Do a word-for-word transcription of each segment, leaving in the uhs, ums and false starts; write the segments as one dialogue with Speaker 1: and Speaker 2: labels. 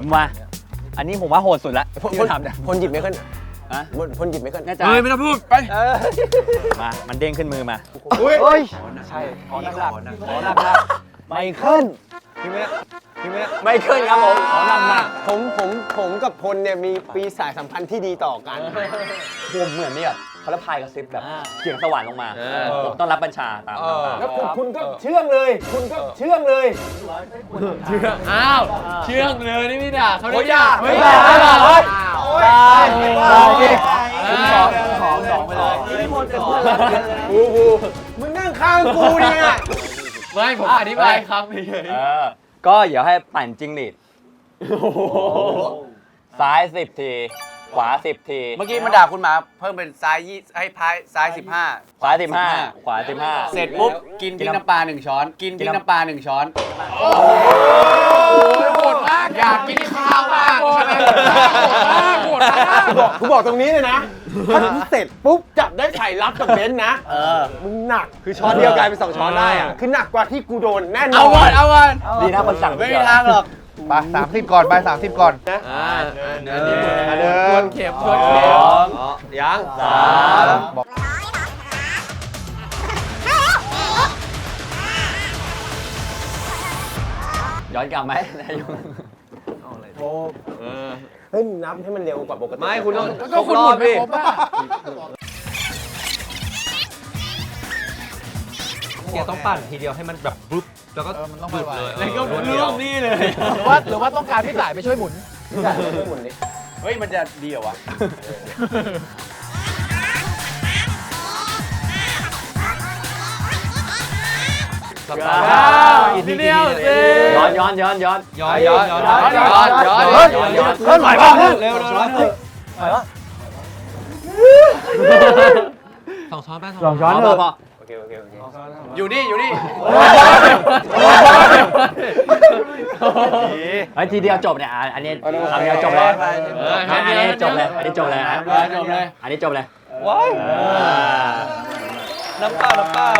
Speaker 1: มาอันนี้ผมว่าโหดสุดละที่ทำเนี่ย
Speaker 2: พลหยิบไม่ขึ้น
Speaker 1: ฮะ
Speaker 2: พลหยิบไม่ขึ้น
Speaker 1: แน่ใจ
Speaker 3: เฮ้ยไม่ต้องพูดไป
Speaker 1: มามันเด้งขึ้นมือมา
Speaker 2: อุ้ยเฮ้ย
Speaker 1: ใช่ขอหนักหนักขอหนักหนักไม่ขึ้น
Speaker 2: จริงไหมจริงไหม
Speaker 1: ไม่ขึ้นครับผมขอหนักหนัก
Speaker 2: ผมผมผมกับพลเนี่ยมีปีสายสัมพันธ์ที่ดีต่อกัน
Speaker 1: ผมเหมือนนี่แบบเขาละพายกระซิบแบบเสียงสวรรค์ลงมาผมต้องรับบัญชาตามตาม
Speaker 2: แล้วคุณคุณก็เชื่องเลย คุณก็เชื่องเลย
Speaker 3: เชื่องอ้าวเชื่องเลยนี่ไม่ด่าเขาได้ด่า
Speaker 2: เฮ้ย
Speaker 3: ด่า
Speaker 2: ด่า
Speaker 3: ด่า
Speaker 2: เฮ้ย
Speaker 1: ได้ได้
Speaker 3: ผมขอผมขอสองไปเลย
Speaker 2: กูกูมึงนั่งข้างกูเนี่ย
Speaker 3: ไม่ผมอธิบายครับเฉย
Speaker 1: เออก็เดี๋ยวให้ปั่นจิ้งหรีดซ้ายสิบทีขวาสิบที
Speaker 4: เมื่อกี้มันด่าคุณหมาเพิ่มเป็นซ้ายยี่ให้พายซ้ายสิบห้า
Speaker 1: ขวาสิบห้าขวาสิบห้า
Speaker 4: เสร็จปุ๊บกินพริกน้ำปลาหนึ่งช้อน กินพริกน้ำปลาหนึ่งช้อน
Speaker 3: โหดมากอยากกินข้าวมากโหดมากโหดมาก
Speaker 2: บอกกูบอกตรงนี้เลยนะถ้าเสร็จปุ๊บจับได้ไข่รับกับเบนซ์นะมึงหนักคือช้อนเดียวกลายเป็นสองช้อนได้อะคือหนักกว่าที่กูโดนแน่นอน
Speaker 4: เอาก่อนเอาก่อน
Speaker 1: ดีนะคนสั่ง
Speaker 4: ไม่มีทางหรอก
Speaker 5: ไปสามสิบก่อนไปสามสิบก่อน
Speaker 3: อ่าเดิน
Speaker 5: เดิน
Speaker 3: เดินทวนเข็มทวนเข็ม
Speaker 2: ยัง
Speaker 1: สามย้อนกลับไหมนายง
Speaker 2: เฮ้ยนับให้มันเร็วกว่าปกติ
Speaker 5: ไม่คุณต้อง
Speaker 3: ก็คุณหมดไม่ครบอ่ะ
Speaker 5: เนี่ยต้องปั่นทีเดียวให้มันแบบปุ๊บแล้วก็หยุดเลย
Speaker 3: แล้วก็เรื่องนี้เลย
Speaker 5: หรือว่าหรือว่าต้องการพี่สายไปช่วยหมุน
Speaker 2: จ่ายไม่หมุนดิ
Speaker 4: เฮ้ยมันจะดีเหรอวะ
Speaker 5: สัปดาห์
Speaker 3: อีกทีเดียวสิ
Speaker 1: ย้อนย้อนย้อนย้อน
Speaker 5: ย้อนย้อนย้อน
Speaker 3: ย้อนย้อนย้อน
Speaker 1: ย้อนย้อน
Speaker 2: เฮ้ยหน่อยบ้าง
Speaker 5: เร็วเร็วเร็วสองช้อนแป้งสองช้อน
Speaker 1: พอพอ
Speaker 2: โอเคโอเคโอเค
Speaker 4: อยู่นี่อยู่นี่
Speaker 1: ไอ้ทีเดียวจบเนี่ยอันนี้คำเดียวจบเลยอันนี้จบเลยอันนี้จบเลยนะ
Speaker 3: จบเลย
Speaker 1: อันนี้จบเลย
Speaker 5: ว้ายน้ำเปล่าน้ำเปล่า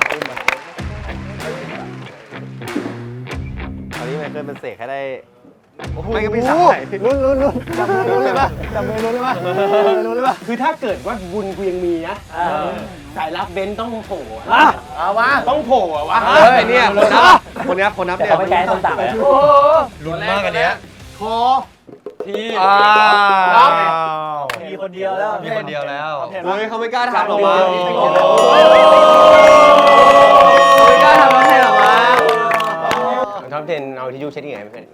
Speaker 2: ตอนนี้ไมเคิลเป็นเสกให้ได้
Speaker 5: ไม่ก็พี่สาย
Speaker 2: ลุ้นลุ้นลุ้นจับมือลุ้นเลยป่ะจับมือลุ้นเลยป่ะลุ้นเลยป่ะคือถ้าเกิดว่าบุญกูยังมีนะสายรับเบนซ์ต้องโผล่อะ
Speaker 4: เอาวะ
Speaker 2: ต้องโผล่อะวะ
Speaker 5: เฮ้ยเนี่ยคนนับคนนับคนนับ
Speaker 1: แต่
Speaker 5: เนี่ย
Speaker 1: เขาไม่แก้ต้นต่างเลย
Speaker 5: ลุ้นมากอันเนี้ย
Speaker 3: ที
Speaker 5: อ้าว
Speaker 1: มีคนเดียวแล้ว
Speaker 5: มีคนเดียวแล้วเฮ้ยเขาไม่กล้าทำหรอกวะ
Speaker 4: ไม่กล้าทำอะไรหรอวะ
Speaker 2: ท็อปเทนเอาทิชชู่เช็ดยังไงไม่เป็น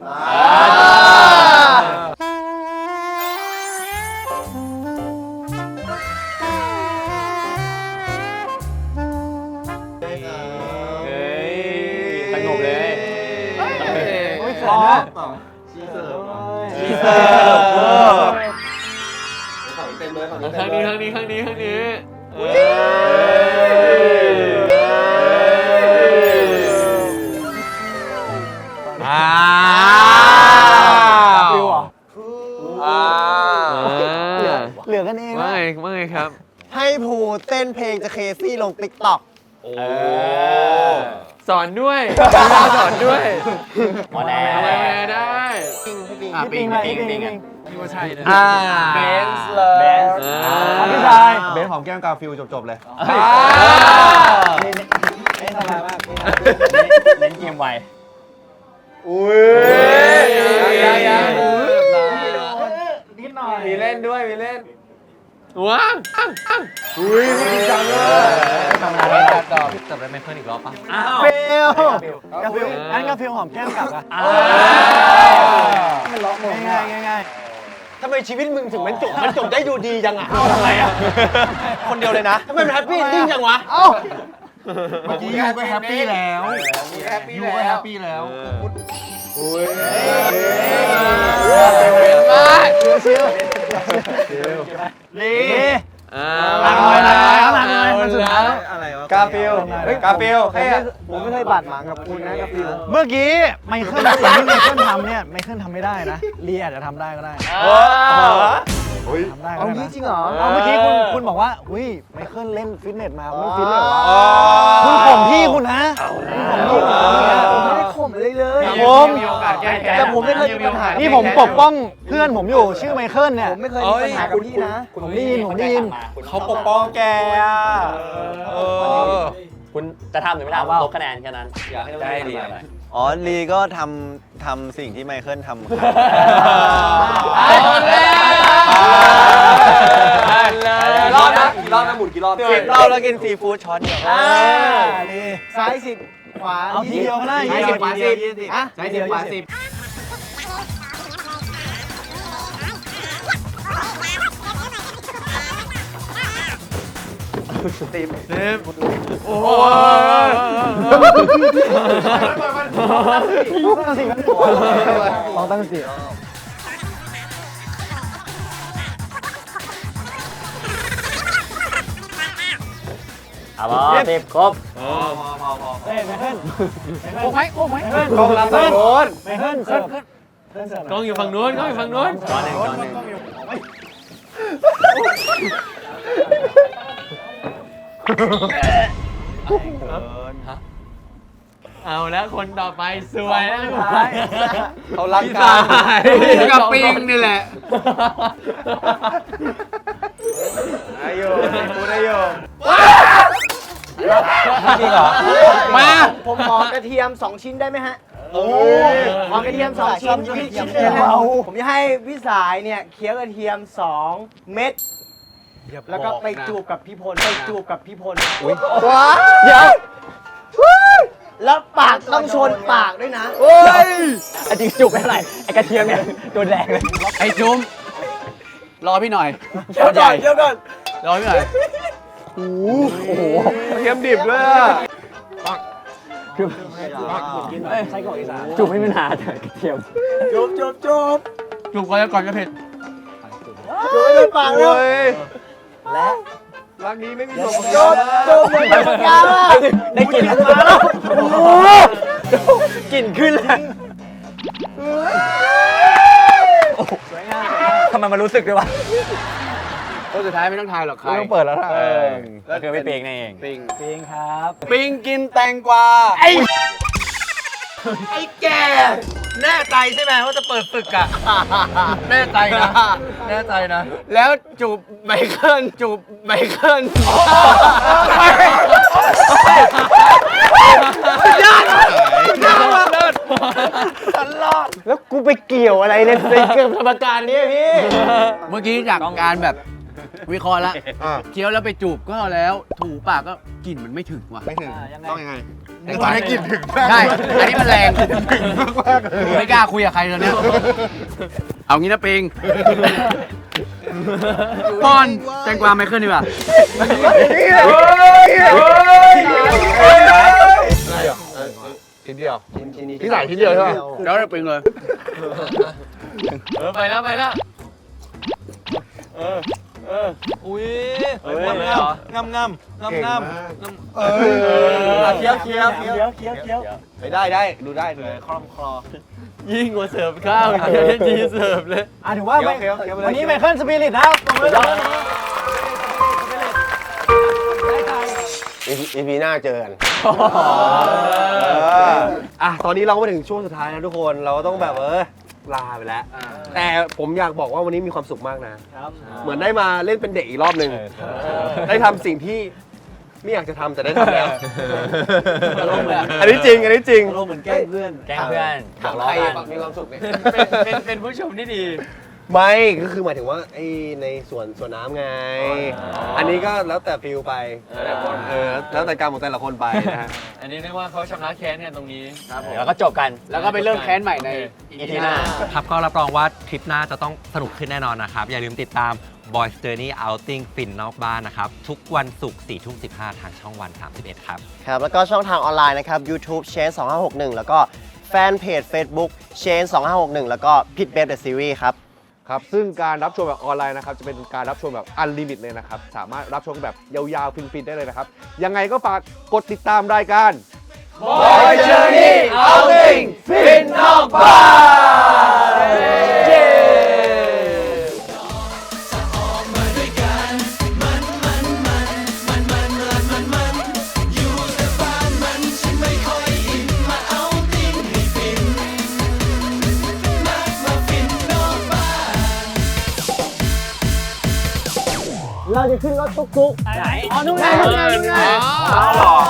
Speaker 1: สงบเลย
Speaker 3: โอ้ย
Speaker 1: พร้อม
Speaker 3: ข้างนี้ข้างนี้ข้างนี้ข้างนี้
Speaker 5: อ้าว
Speaker 2: เหลือกันเอง
Speaker 3: ว่าไงว่าไงครับ
Speaker 2: ให้ภูเต้นเพลงจะเคซี่ลงติ๊กต็อก
Speaker 3: สอนด้วยสอนด้วย
Speaker 1: หมอแดง
Speaker 3: อะไรได้
Speaker 1: อ่ะปิงปิงปิงปิง
Speaker 3: พี่ว่าใช่นะ
Speaker 5: อ่า
Speaker 4: เบนซ์เลย
Speaker 1: เบนซ์
Speaker 3: อ่า
Speaker 1: พี่ชาย
Speaker 5: เบนหอมแก้มกาฟิลจบๆเลย
Speaker 1: เล่นสบายมากเล่นเกมไว
Speaker 5: อุ้ย
Speaker 4: ยังยัง
Speaker 1: นิดหน่อย
Speaker 4: มีเล่นด้วยมีเล่น
Speaker 3: ว้าง
Speaker 5: อุ้ยจริงจังเลย
Speaker 1: ทำงานอะไร
Speaker 5: ตอบจับได้ไมเคิลอีกรอบปะ
Speaker 1: อ้าว
Speaker 2: ฟิลกาฟิลอันกาฟิลหอมแก้มกลับอะ
Speaker 1: อ้าว
Speaker 2: มันล็อกง่ายง่ายทำไมชีวิตมึงถึงมันจบมันจบได้ดูดีจังอะ
Speaker 1: ทำไมอ่ะ
Speaker 5: คนเดียวเลยนะ
Speaker 2: ทำไมมันแฮปปี้เอนดิ้งจังวะเอ้า
Speaker 5: เมื่อกี้ยูก็แฮปปี้แล้วยูก็แฮปปี้แล้ว
Speaker 3: เป็นมาก
Speaker 1: นี่
Speaker 3: อ่า
Speaker 1: หลังหน่อยหลังหน่อยหลังหน่อย
Speaker 3: เอาแล้ว
Speaker 5: อะไรวะ
Speaker 4: กาฟิลกาฟิลแค่
Speaker 2: ผมไม่เคยบาดหมางกับคุณนะกาฟิล
Speaker 6: เมื่อกี้ไมเคิลสิ่งที่ไมเคิลทำเนี่ยไมเคิลทำไม่ได้นะลีอาจจะทำได้ก็ได้ทำได้ก็
Speaker 2: เอา
Speaker 6: ได้
Speaker 2: งี้
Speaker 6: นะ
Speaker 2: จริงเหรอ
Speaker 6: เอาเมื่อกี้คุณคุณบอกว่าอุ้ยไมเคิลเล่นฟิตเนสมาไม่ฟิตเลยเหรอวะคุณข่มพี่คุณนะคุณข่มพี่คุณนะ
Speaker 2: ผมไม่ได้ข่มเลยเลย
Speaker 3: ผมมีโอกาสแก้
Speaker 7: แต่ผมไม่เคยมีปัญหา
Speaker 6: นี่ผมปกป้องเพื่อนผมอยู่ชื่อไมเคิลเนี่ย
Speaker 7: ผมไม่เคยมีปัญหากับพี่นะ
Speaker 6: ผมได้ยินผมได้ยิน
Speaker 5: เขาปกป้องแกอ่ะเออ
Speaker 1: คุณจะทำหรือไม่ทำลบคะแนนแค่นั้นอยากให้ได้ดีอะไร
Speaker 8: อ๋อลีก็ทำทำสิ่งที่ไมเคิลทำครับ
Speaker 1: รอบนะกี่รอบนะหมุนกี่รอบ
Speaker 8: สิบรอบแล้วกินซีฟู้ดช้อนเดียว
Speaker 7: ซ้ายสิบขวา
Speaker 6: เอาทีเดียวก็ได้
Speaker 7: ซ้ายสิบขวาสิบอ่ะ
Speaker 4: ซ้ายสิบขวาสิบ
Speaker 3: โอ้โห
Speaker 6: ลองตั้งสติ
Speaker 1: เอาบอสิบครบ
Speaker 6: เฮ้ยไมเคิล
Speaker 3: โอ้ไหมโอ้ไหม
Speaker 2: กองรับโน้น
Speaker 6: ไมเคิลเสิร์ฟเสิร์ฟเสิร์ฟ
Speaker 3: กล้องอยู่ฝั่งนู้นกล้องอยู่ฝั่งนู้น
Speaker 1: จอหนึ่งจอหนึ่ง
Speaker 3: เอาแล้วคนต่อไปสวยแล้ว
Speaker 2: เขารัก
Speaker 3: พี่
Speaker 2: กั
Speaker 3: สาน ยกับปิงนี่แหละ
Speaker 2: ได้อยู่กูได้อยู่
Speaker 7: จริงเหรอ
Speaker 3: มา
Speaker 7: ผมขอกระเทียมสองชิ้นได้ไหมฮะโอ้ขอกระเทียมสองชิ้นพี่ชิ้นเดียวผมจะให้พี่สายเนี่ยเคี้ยวกระเทียมสองเม็ดแล้วก็ไปจูบกับพี่พลไปจูบกับพี่พล
Speaker 2: ว้าเดี๋ยว
Speaker 7: แล้วปากต้องชนปากด้วยนะ
Speaker 2: เฮ้ย
Speaker 1: ไอ้จริงจุกไม่เท่าไหร่ไอ้กระเทียมเนี่ยโดนแรงเลย
Speaker 3: ไอ้จุ้มรอพี่หน่อย
Speaker 7: เดี๋ยวก่อนเดี๋ยวก่อน
Speaker 3: รอพี่หน่อย
Speaker 2: โอ้โหเทียมดิบด้วยอะ
Speaker 6: ไส้กรอกอีสาน
Speaker 1: จุกไม่มีปัญหาแต่กระเทียม
Speaker 7: จูบจูบจูบ
Speaker 3: จุกก่อนจะก่อนจะเผ็ด
Speaker 7: จูบไม่โดนปากเลย
Speaker 2: โอ้ย
Speaker 7: และ
Speaker 2: รักนี้ไม่มีจบ
Speaker 7: จูบจูบเหมือนปากกาอะ
Speaker 1: ได้กลิ่นมาแล้วโอ้โหกลิ่นขึ้นแล้วทำไมมันรู้สึกด้วยวะ
Speaker 3: คนสุดท้ายไม่ต้องทายหรอกใคร
Speaker 2: ไม่ต้องเปิดแล้วนะ
Speaker 1: เออก็คือไม่เปงนั่นเอง
Speaker 3: ปิง
Speaker 6: ปิงครับ
Speaker 3: ปิงกินแตงกวาไอ้ไอ้แกแน่ใจใช่ไหมว่าจะเปิดศึกอ่ะแน่ใจนะแน่ใจนะ แล้วจูบไมเคิลจูบไมเคิลยอดยอดเลิศ
Speaker 2: แล้วกูไปเกี่ยวอะไรในในเกมธรรมการนี้พี่
Speaker 3: เมื่อกี้จากการแบบวิเคราะห์แล้ว
Speaker 2: อ่า
Speaker 3: เคี้ยวแล้วไปจูบก็แล้วถูปากก็กลิ่นมันไม่ถึงว่ะ
Speaker 2: ไม่ถึงต้องยังไง
Speaker 3: ตอนนี้กลิ่นถึงใช่อันนี้มันแรงไม่กล้าคุยกับใครตอนเนี้ยเอางี้นะปิงป้อนแตงกวาไม่ขึ้นดีกว่า
Speaker 2: ชิ้นเดียวพี่สายชิ้นเดียวใช่ไหม
Speaker 3: แล้วปิงเลยเออไปแล้วไปแล้ว
Speaker 5: อุ้ยงามงามงามงามงาม
Speaker 2: เออ
Speaker 7: เคี้ยวเคี้ยวเคี้ยวเคี้ยวเคี้ยว
Speaker 2: ไปได้ได้ดูได้ดูคล่องคลอ
Speaker 3: ยิ่งกว่าเสิร์ฟข้าวอีกเดี๋ยวจีเสิร์ฟเลย
Speaker 6: อ่ะถือว่า
Speaker 2: เคี้ยวเคี้ยวเคี้ยวไปเลย
Speaker 6: วันนี้ไมเคิลสปิริตนะครับตบมือเลย
Speaker 2: อีพีหน้าเจอกันอ่ะตอนนี้เราก็มาถึงช่วงสุดท้ายแล้วทุกคนเราก็ต้องแบบเออลาไปแล้ว แต่ผมอยากบอกว่าวันนี้มีความสุขมากนะ เหมือนได้มาเล่นเป็นเด็กอีกรอบหนึ่งได้ทำสิ่งที่ไม่อยากจะทำแต่ได้ทำแล้ว อันนี้จริง อันนี้จริง
Speaker 6: เราเหมือนแกล้งเพื่อน
Speaker 1: แกล้งเพื่อนบอกล้อกัน
Speaker 2: มีความสุขเนี่ย
Speaker 3: เป็นเป็นผู้ชมที่ดี
Speaker 2: ไม่ก็คือหมายถึงว่าไอ้ในส่วนส่วนน้ำไง อันนี้ก็แล้วแต่ฟิลไปเออแล้วแต่การของแต่ละคนไปนะฮะ
Speaker 3: อันนี้เรียกว่าเขาชำระแค้นกันตรงนี้ครับผม
Speaker 1: แล้วก็จบกัน
Speaker 3: แล้วก็ไปเริ่มแค้นใหม่ใน
Speaker 1: อีพีหน้า
Speaker 5: ครับก็รับรองว่าทริปหน้าจะต้องสนุกขึ้นแน่นอนนะครับ อย่าลืมติดตาม Boys Journey Outing ฟินนอกบ้านนะครับ ทุกวันศุกร์สี่ทุ่มสิบห้าทางช่องวัน สามสิบเอ็ด ครับ
Speaker 7: ครับแล้วก็ช่องทางออนไลน์นะครับ YouTube Change สองห้าหกหนึ่งแล้วก็แฟนเพจ Facebook Change สองห้าหกหนึ่งแล้วก็พิทเบฟเดอะซีรีส์ครับ
Speaker 2: ครับซึ่งการรับชมแบบออนไลน์นะครับจะเป็นการรับชมแบบอันลิมิตเลยนะครับสามารถรับชมแบบยาวๆฟินๆได้เลยนะครับยังไงก็ฝากกดติดตามรายการ
Speaker 3: Boy Journey Outing ฟินนอกบ้าน
Speaker 7: เราจะขึ้นรถตุ๊กๆไหนอ๋อนู่นไงนู่นไงนู่นไง
Speaker 2: เอาหรอ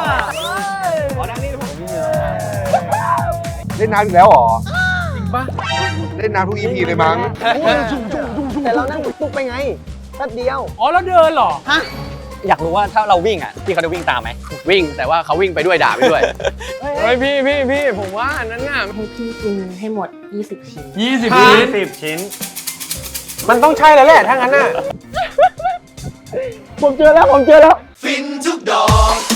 Speaker 2: เล่นน้ำอีกแล้วหรอจริงปะเล่นน้ำทุก อี พี เลยมั้ง
Speaker 7: แต่เรานั่งตุ๊กๆไปไงแป๊บเดียว
Speaker 3: อ๋อแล้วเดินเหรอ
Speaker 7: ฮะ
Speaker 1: อยากรู้ว่าถ้าเราวิ่งอ่ะพี่เขาจะวิ่งตามไหม
Speaker 3: วิ่งแต่ว่าเขาวิ่งไปด้วยด่าไปด้วย
Speaker 6: เฮ้ยพี่พี่พี่ผมว่าอันนั้นน่ะ
Speaker 9: ให้พี่กินให้หมด ยี่สิบ ชิ้น
Speaker 3: ยี่สิบชิ้น
Speaker 1: สิบชิ้น
Speaker 6: มันต้องใช่แล้วแหละถ้างั้นน่ะ
Speaker 7: ผมเจอแล้วผมเจอแล้ว
Speaker 2: ฟินทุกดอก